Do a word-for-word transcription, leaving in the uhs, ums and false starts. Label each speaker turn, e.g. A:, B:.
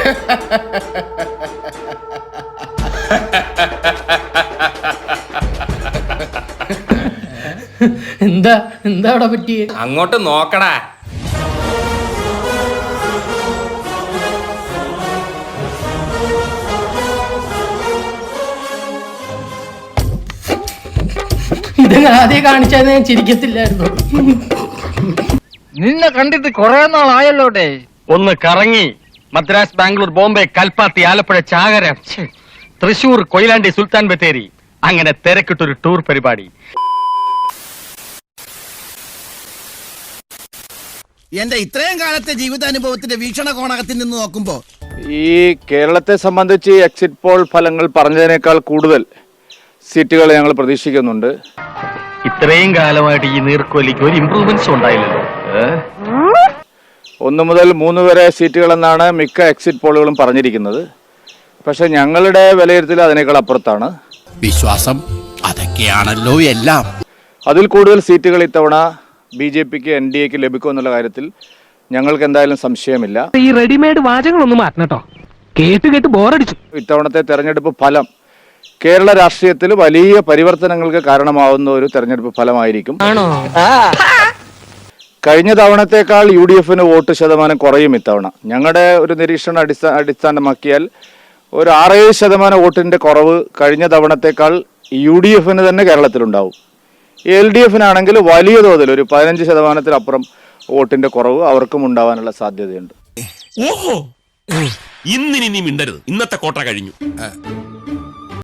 A: എന്താ എന്താ അവിടെ പറ്റിയേ?
B: അങ്ങോട്ട് നോക്കടാ.
A: ഇത് ആദ്യം കാണിച്ചാൽ ഞാൻ ചിരിക്കത്തില്ലായിരുന്നു.
C: നിന്നെ കണ്ടിട്ട് കൊറേ നാളായല്ലോടെ. ഒന്ന് കറങ്ങി മദ്രാസ്, ബാംഗ്ലൂർ, ബോംബെ, കൽപ്പാത്തി, ആലപ്പുഴ, ചാകര, തൃശൂർ, കൊയിലാണ്ടി, സുൽത്താൻ ബത്തേരി, അങ്ങനെ തിരക്കിട്ടൊരു ടൂർ പരിപാടി.
D: എന്റെ ഇത്രയും കാലത്തെ ജീവിതാനുഭവത്തിന്റെ വീക്ഷണകോണകത്തിൽ നിന്ന് നോക്കുമ്പോ
E: ഈ കേരളത്തെ സംബന്ധിച്ച് എക്സിറ്റ് പോൾ ഫലങ്ങൾ പറഞ്ഞതിനേക്കാൾ കൂടുതൽ സീറ്റുകൾ ഞങ്ങൾ പ്രതീക്ഷിക്കുന്നുണ്ട്.
C: ഇത്രയും കാലമായിട്ട് ഈ നീർക്കോലിക്ക് ഒരു ഇംപ്രൂവ്മെന്റ്സ് ഉണ്ടായില്ലല്ലോ.
E: ഒന്ന് മുതൽ മൂന്ന് വരെ സീറ്റുകളെന്നാണ് മിക്ക എക്സിറ്റ് പോളുകളും പറഞ്ഞിരിക്കുന്നത്. പക്ഷെ ഞങ്ങളുടെ വിലയിരുത്തൽ അതിനേക്കാൾ അപ്പുറത്താണ്.
D: വിശ്വാസം അതൊക്കെയാണല്ലോ എല്ലാം.
E: അതിൽ കൂടുതൽ സീറ്റുകൾ ഇത്തവണ ബി ജെ പിക്ക് എൻ ഡി എക്ക് ലഭിക്കുമെന്നുള്ള കാര്യത്തിൽ ഞങ്ങൾക്ക് എന്തായാലും സംശയമില്ല.
A: ഈ റെഡിമെയ്ഡ് വാചകങ്ങളൊന്നും മാറ്റണം കേട്ടോ, കേട്ട് കേട്ട് ബോറടിച്ചു.
E: ഇത്തവണത്തെ തെരഞ്ഞെടുപ്പ് ഫലം കേരള രാഷ്ട്രീയത്തിൽ വലിയ പരിവർത്തനങ്ങൾക്ക് കാരണമാവുന്ന ഒരു തെരഞ്ഞെടുപ്പ് ഫലമായിരിക്കും. കഴിഞ്ഞ തവണത്തേക്കാൾ യു ഡി എഫിന് വോട്ട് ശതമാനം കുറയും ഇത്തവണ. ഞങ്ങളുടെ ഒരു നിരീക്ഷണം അടിസ്ഥാന അടിസ്ഥാനമാക്കിയാൽ ഒരു ആറേഴ് ശതമാനം വോട്ടിന്റെ കുറവ് കഴിഞ്ഞ തവണത്തേക്കാൾ യു ഡി എഫിന് തന്നെ കേരളത്തിലുണ്ടാവും. എൽ ഡി എഫിനാണെങ്കിൽ വലിയ തോതിൽ ഒരു പതിനഞ്ച് ശതമാനത്തിലപ്പുറം വോട്ടിന്റെ കുറവ് അവർക്കും ഉണ്ടാവാനുള്ള സാധ്യതയുണ്ട്.
F: ഓഹോ, ഇന്നിനി നീ മിണ്ടരുത്, ഇന്നത്തെ കോട്ട കഴിഞ്ഞു.